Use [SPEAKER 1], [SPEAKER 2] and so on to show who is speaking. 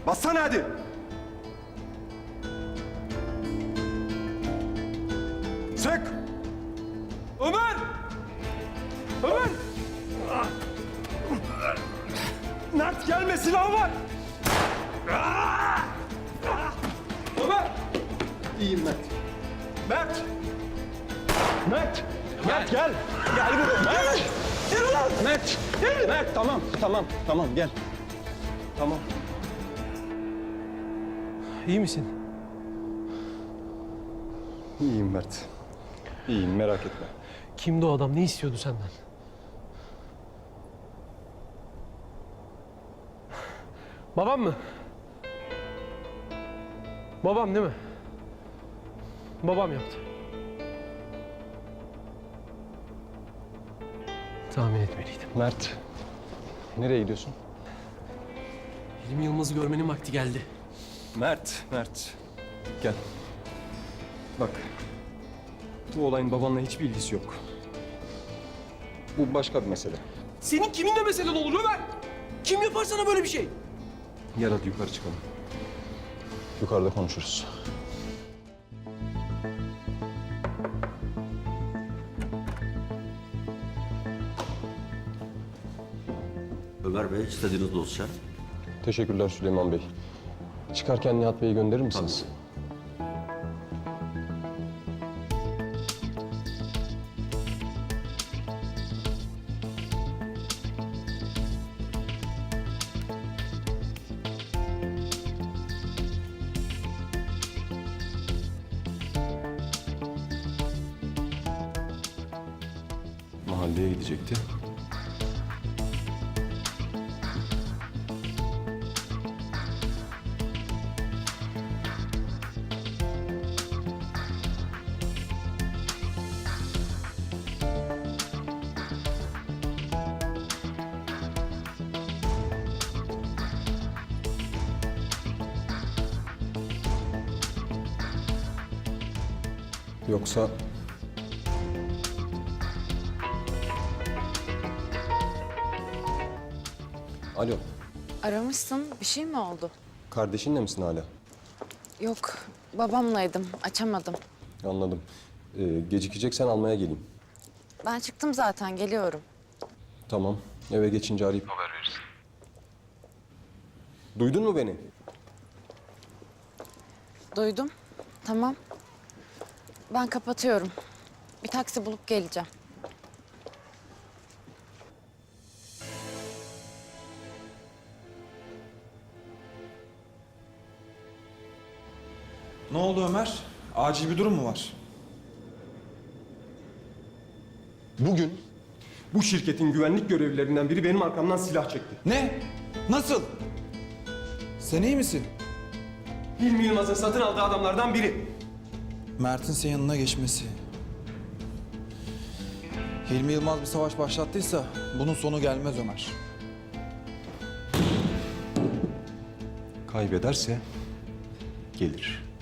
[SPEAKER 1] Bassana hadi. Sık. Ömer! Ömer! Mert gelme, silahı var. Ömer! İyiyim Mert. Mert! Mert! Mert gel! Gel buraya! Mert! Gel ulan! Mert! Gel! Mert tamam gel. Tamam.
[SPEAKER 2] İyi misin?
[SPEAKER 1] İyiyim Mert. İyiyim, merak etme.
[SPEAKER 2] Kimdi o adam? Ne istiyordu senden? Babam mı? Babam değil mi? Babam yaptı. Tahmin etmeliydim.
[SPEAKER 1] Mert, nereye gidiyorsun?
[SPEAKER 2] Hilmi Yılmaz'ı görmenin vakti geldi.
[SPEAKER 1] Mert. Gel. Bak, bu olayın babanla hiçbir ilgisi yok. Bu başka bir mesele.
[SPEAKER 2] Senin kiminle meselen olur Ömer? Kim yapar sana böyle bir şey?
[SPEAKER 1] Gel hadi yukarı çıkalım. Yukarıda konuşuruz.
[SPEAKER 3] Ömer Bey, istediğiniz dosya.
[SPEAKER 1] Teşekkürler Süleyman Bey. Çıkarken Nihat Bey'i gönderir misiniz? Mahalleye gidecekti. Yoksa... Alo,
[SPEAKER 4] Aramışsın. Bir şey mi oldu?
[SPEAKER 1] kardeşinle misin hala?
[SPEAKER 4] Yok. Babamlaydım. Açamadım.
[SPEAKER 1] Anladım. Gecikeceksen almaya geleyim.
[SPEAKER 4] Ben çıktım zaten. Geliyorum.
[SPEAKER 1] Tamam, eve geçince arayıp haber verirsin. Duydun mu beni?
[SPEAKER 4] Duydum. Tamam. Ben kapatıyorum. Bir taksi bulup geleceğim.
[SPEAKER 5] Ne oldu Ömer? Acil bir durum mu var?
[SPEAKER 1] Bugün bu şirketin güvenlik görevlilerinden biri benim arkamdan silah çekti.
[SPEAKER 5] Ne? Nasıl? Sen iyi misin?
[SPEAKER 1] Hilmi Yılmaz'ın satın aldığı adamlardan biri.
[SPEAKER 5] Mert'in senin yanına geçmesi. Hilmi Yılmaz bir savaş başlattıysa bunun sonu gelmez Ömer.
[SPEAKER 1] Kaybederse gelir.